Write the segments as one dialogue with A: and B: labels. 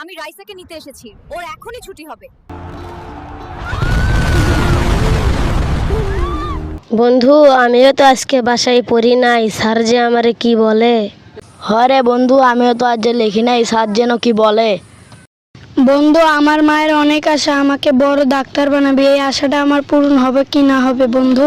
A: আমি রাইসাকে নিতে এসেছি, ওর এখনই ছুটি হবে।
B: বন্ধু, আমিও তো আজকে বাসায় পড়ি নাই, স্যার যে আমারে কি বলে।
C: হরে বন্ধু, আমিও তো আজ লিখি নাই, স্যার যেন কি বলে।
D: বন্ধু, আমার মায়ের অনেক আশা আমাকে বড় ডাক্তার বানাবে। এই আশাটা আমার পূরণ হবে কি না হবে বন্ধু?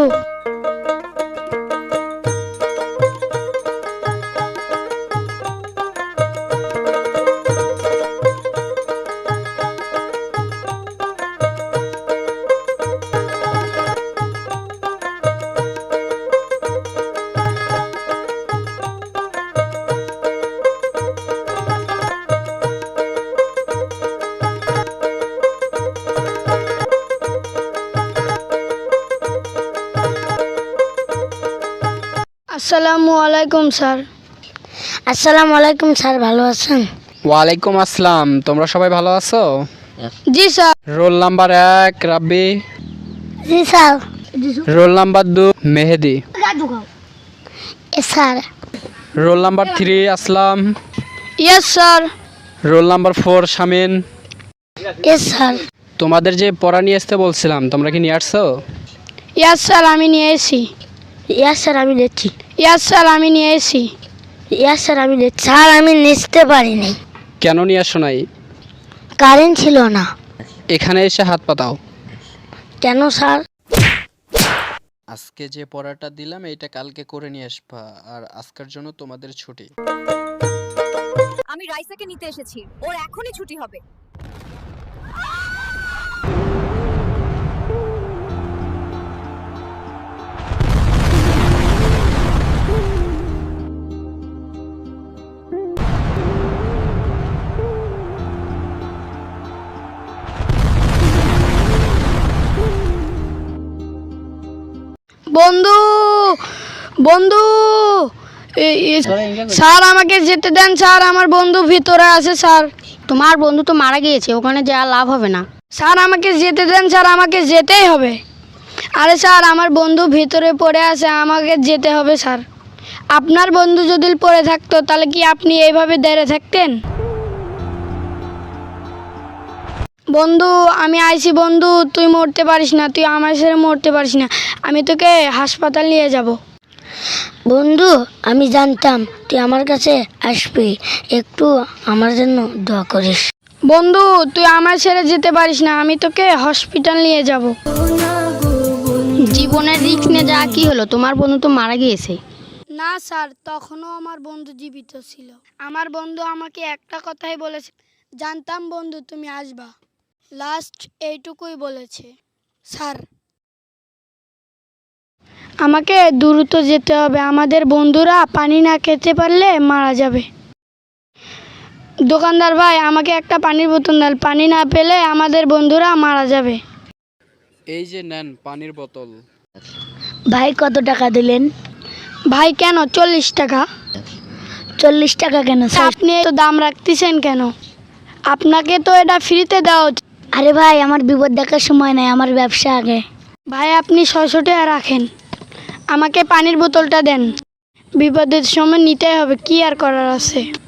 D: আসসালামু আলাইকুম স্যার।
B: আসসালামু আলাইকুম স্যার, ভালো আছেন?
E: ওয়ালাইকুম আসসালাম। তোমরা সবাই ভালো আছো?
D: জি স্যার।
E: রোল নাম্বার 1 রাব্বি,
B: জি sir.
E: Roll number 2 Mehedi,
B: sir.
E: Roll number 3 Aslam,
D: yes sir.
E: Roll number 4 Shamin.
B: Sir.
E: তোমাদের যে পড়া নিয়ে আসতে বলছিলাম, তোমরা কি নিয়ে আসছো?
D: ইয়েস স্যার, আমি নিয়ে এসেছি।
B: ইয়াস স্যার, আমি নিচ্ছি।
D: ইয়েস স্যার, আমি নিয়ে এসেছি।
B: ইয়াস স্যার, আমি নিচ্ছি। স্যার, আমি নিতে পারিনি,
E: কেন নিয়ে আসো নাই?
B: কারেন্ট ছিল না।
E: এখানে এসে হাত পাতাও।
B: কেন স্যার?
E: আজকে যে পড়াটা দিলাম এটা কালকে করে নিয়ে আসবা, আর আজকের জন্য তোমাদের ছুটি।
A: আমি রাইসাকে নিতে এসেছি, ওর এখনই ছুটি হবে।
D: বন্ধু, বন্ধু, স্যার আমাকে যেতে দেন স্যার, আমার বন্ধু ভিতরে আছে স্যার।
B: তোমার বন্ধু তো মারা গিয়েছে, ওখানে যাওয়া লাভ হবে না।
D: স্যার আমাকে যেতে দেন স্যার, আমাকে যেতেই হবে। আরে স্যার, আমার বন্ধু ভিতরে পড়ে আছে, আমাকে যেতে হবে স্যার। আপনার বন্ধু যদি পড়ে থাকতো তাহলে কি আপনি এইভাবে দাঁড়িয়ে থাকতেন? বন্ধু, আমি আইছি বন্ধু, তুই মরতে পারিস না, তুই আমার সাথে মরতে পারিস না। আমি তোকে হাসপাতাল নিয়ে যাব।
B: বন্ধু, আমি জানতাম তুই আমার কাছে আসবি, একটু আমার জন্য দোয়া করিস।
D: বন্ধু, তুই আমার ছেড়ে যেতে পারিস না, আমি তোকে হসপিটাল নিয়ে যাব।
B: জীবনের রিস্ক নিয়ে যা কি হলো, তোমার বন্ধু তো মারা গিয়েছে।
D: না স্যার, তখনও আমার বন্ধু জীবিত ছিল। আমার বন্ধু আমাকে একটা কথাই বলেছে, জানতাম বন্ধু তুমি আসবা। লাস্ট এইটুকুই বলেছে স্যার। আমাকে দ্রুত যেতে হবে, আমাদের বন্ধুরা পানি না খেতে পারলে মারা যাবে। দোকানদার ভাই, আমাকে একটা পানির বোতল দেন, পানি না পেলে আমাদের বন্ধুরা মারা যাবে।
E: এই যে নেন পানির বোতল।
B: ভাই, কত টাকা দিলেন?
D: ভাই কেন 40 টাকা?
B: 40 টাকা কেন স্যার?
D: আপনি তো দাম রাখতেছেন কেন? আপনাকে তো এটা ফ্রিতে দেওয়া উচিত।
B: আরে ভাই, আমার বিপদ দেখার সময় নাই, আমার ব্যবসা আগে।
D: ভাই আপনি 600 টাকা রাখেন, আমাকে পানির বোতলটা দেন। বিপদের সময় নিতে হবে, কি আর করার আছে।